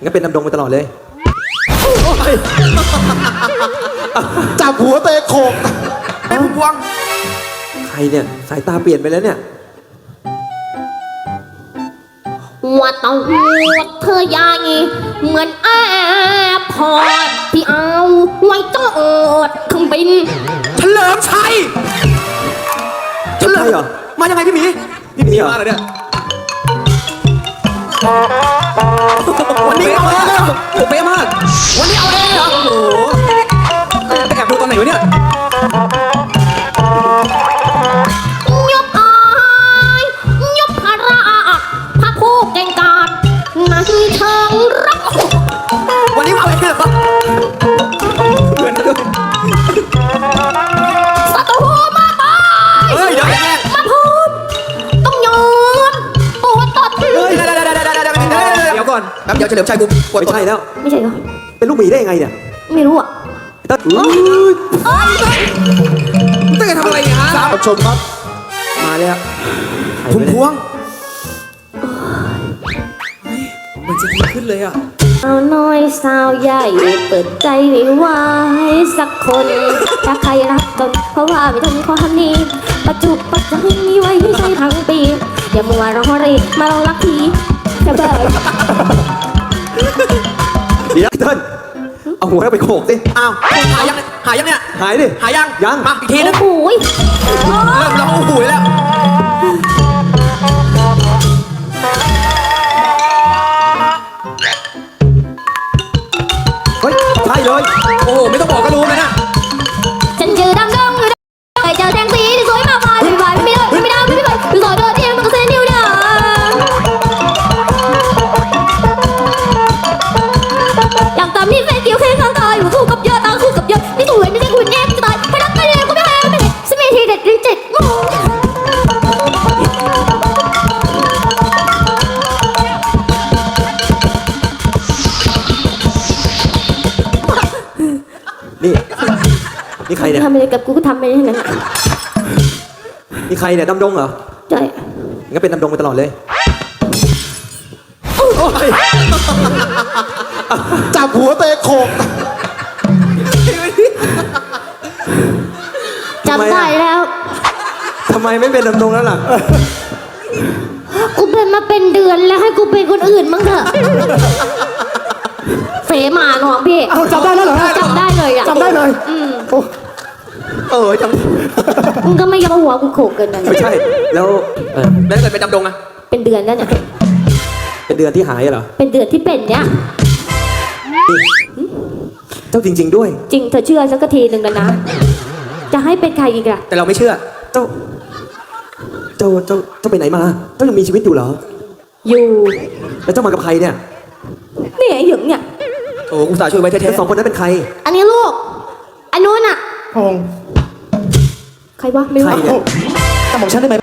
งั้นเป็นดำดงไปตลอดเลยจับหัวเตะโขกเป็นพวงใครเนี่ยสายตาเปลี่ยนไปแล้วเนี่ยว่าต้องเธอใหญ่เหมือนแอร์พอร์ตที่เอาไว้จอดเครื่องบินเฉลิมชัยใช่เหรอมายังไงพี่หมีพี่หมีเหรอมาเหรอเนี่ยวันนี้เอาเองเหรอเป๊ะมากวันนี้เอาเองเหรอโอ้โหไปแอบดูตอนไหนวะเนี่ยยกอายยกพระพระผู้เก่งกาจในเชิงรักวันนี้เอาเองเหรอเหมือนกันด้วยศัตรูมาตายเฮ้ยเดี๋ยวแย่มาพูดต้องโยนปวดตดเฮ้ยเดี๋ยวก่อนแป๊บเดี๋ยวเฉลิมชัยกูปวดไม่ตัวใช่แล้วไม่ใช่เหรอเป็นลูกหมีได้ยังไงเนี่ยไม่รู้อ่ะไอ้ต้นตั้งใจทำอะไรเนี่ยฮะรับชมครับมาแล้วพุ่มพวงมันจะดีขึ้นเลยอ่ะสาวน้อยสาวใหญ่เปิดใจไม่ไหวสักคนถ้าใครรักกันเพราะว่าไม่ทำความนี้ปัจจุบันมีไว้ไม่ใช่ทั้งปีอย่ามัวรอรีมาลองรักทีจะเบิกเดี๋ยวไอ้ต้นเอาหัวเราไปโขกสิอ้าวหายังเนี่ยหายดิหายังยังมาอีกทีนึงโอ้ยเริ่มร้องโอ้โหแล้วเฮ้ยใช่เลยโอ้โหไม่ต้องบอกก็รู้นะฉันชื่อดำดงเคยเจอแสงสีที่สวยมากมายไม่ไหวไม่ได้ไม่ได้ไม่ได้ไม่สวยโดดเดี่ยวมันก็เส้นนิ้วเดียวอยากตามมีแฟนเกี่ยวแค่ข้างกายอยู่คู่กับยอดตาคู่กับยอดไม่สวยไม่ใช่คุณแน่จะตายไม่รักไม่เลี้ยงก็ไม่ให้ไม่เห็นสมัยทีเด็ดริ้นเจ็ดโมงนี่นี่ใครเนี่ยทำอะไรกับกูก็ทำไปทั้งนั้นนี่ใครเนี่ยดำดงเหรอใช่งั้นเป็นดำดงไปตลอดเลยจับหัวเตะโขกจำได้แล้วทำไมไม่เป็นดำดงแล้วล่ะกูเป็นมาเป็นเดือนแล้วให้กูเป็นคนอื่นมั้งเถอะเฟมาน้องพี่เอาจับได้แล้วเหรอจำได้เลยอ่ะจำได้เลยโอ้จังมึงก็ไม่ยอมหัวกูโขกเกินไปไม่ใช่ แล้วแล้วถ้าเกิดเป็นดำดงอะเป็นเดือนแล้วเนี่ยเป็นเดือนที่หายเหรอเป็นเดือนที่เป็นเนี่ยเจ้าจริง ๆด้วยจริงเธอเชื่อสักทีหนึ่งแล้วนะ จะให้เป็นใครอีกล่ะแต่เราไม่เชื่อเจ้าไปไหนมา เจ้ายังมีชีวิตอยู่เหรออยู่แล้วเจ้ามากับใครเนี่ยนี่ไอ้หยึงเนี่ยโอ้กูสาช่วยไว้แท้แล้วสองคนนั้นเป็นใครอันนี้ลูก อันนู้นอ่ะพงษ์ใครวะไม่รู้ใครเนี่ยจำของฉันได้ไหม